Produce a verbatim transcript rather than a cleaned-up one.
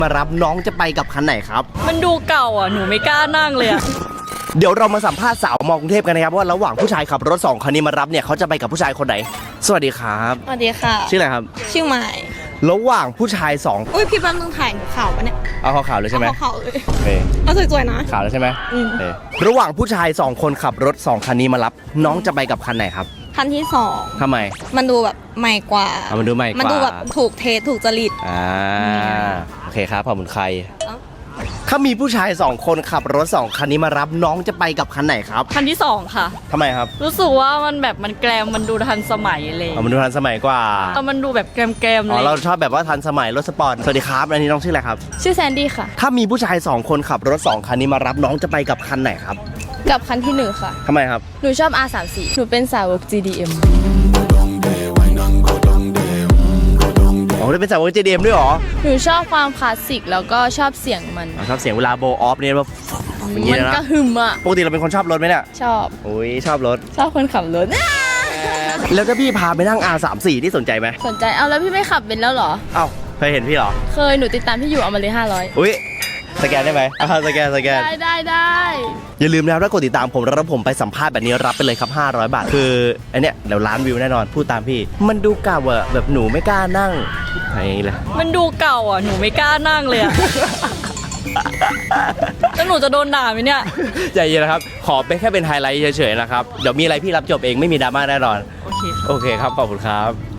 มารับน้องจะไปกับคันไหนครับมันดูเก่าอ่ะหนูไม่กล้านั่งเลยอ่ะเดี๋ยวเรามาสัมภาษณ์สาวมอกรุงเทพกันนะครับว่าระหว่างผู้ชายขับรถสองคันนี้มารับเนี่ยเขาจะไปกับผู้ชายคนไหนสวัสดีครับสวัสดีค่ะชื่ออะไรครับชื่อใหม่ระหว่างผู้ชายสองอุ้ยพี่แป๊บนึงถ่ายหนูข่าวปะเนี่ยเอาขาวๆเลยใช่ไหมข่าวเลยโอเคเอาสวยๆนะขาวแล้วใช่ไหมอืมระหว่างผู้ชายสองคนขับรถสองคันนี้มารับน้องจะไปกับคันไหนครับคันที่สองทำไมมันดูแบบใหม่กว่ามันดูใหม่กว่ามันดูแบบถูกเทสถูกจริตอ่าโอเคครับขอบคุณใครถ้ามีผู้ชายสองคนขับรถสองคันนี้มารับน้องจะไปกับคันไหนครับคันที่สองค่ะทำไมครับรู้สึกว่ามันแบบมันแกรมมันดูทันสมัยเลยมันดูทันสมัยกว่าเออมันดูแบบแกรมแกรมเลยอ๋อเราชอบแบบว่าทันสมัยรถสปอร์ตสวัสดีครับอันนี้น้องชื่ออะไรครับชื่อแซนดี้ค่ะถ้ามีผู้ชายสองคนขับรถสองคันนี้มารับน้องจะไปกับคันไหนครับกับคันที่หนึ่งค่ะทำไมครับหนูชอบ อาร์ สามสิบสี่ หนูเป็นสาวก จี ดี เอ็มอ๋อได้เป็นสาวก จี ดี เอ็ม ด้วยหรอหนูชอบความคลาสสิกแล้วก็ชอบเสียงมันชอบเสียงเวลาโบออฟเนี่ยแบบมันก็หึมอ่ะปกติเราเป็นคนชอบรถไหมเนี่ยชอบโอ้ยชอบรถชอบคนขับรถแล้วถ้าพี่พาไปนั่ง อาร์ สามสิบสี่ ที่สนใจไหมสนใจเอาแล้วพี่ไม่ขับเป็นแล้วเหรอเอ้าเคยเห็นพี่เหรอเคยหนูติดตามพี่อยู่เอามาเลยห้าร้อยอุ้ยสแกนได้ไหมอ่าสแกนสแกนได้ได้ได้อย่าลืมนะครับถ้ากดติดตามผมแล้วผมไปสัมภาษณ์แบบนี้รับไปเลยครับห้าร้อยบาทคือไอเนี้ยเดี๋ยวล้านวิวแน่นอนพูดตามพี่มันดูเก่าอะแบบหนูไม่กล้านั่งไงเลยมันดูเก่าอ่ะหนูไม่กล้านั่งเลยอะแล้วหนูจะโดนด่าไหมเนี่ยใจเย็นนะครับขอเป็นแค่เป็นไฮไลท์เฉยๆนะครับเดี๋ยวมีอะไรพี่รับจบเองไม่มีดราม่าแน่นอนโอเคโอเคครับขอบคุณครับ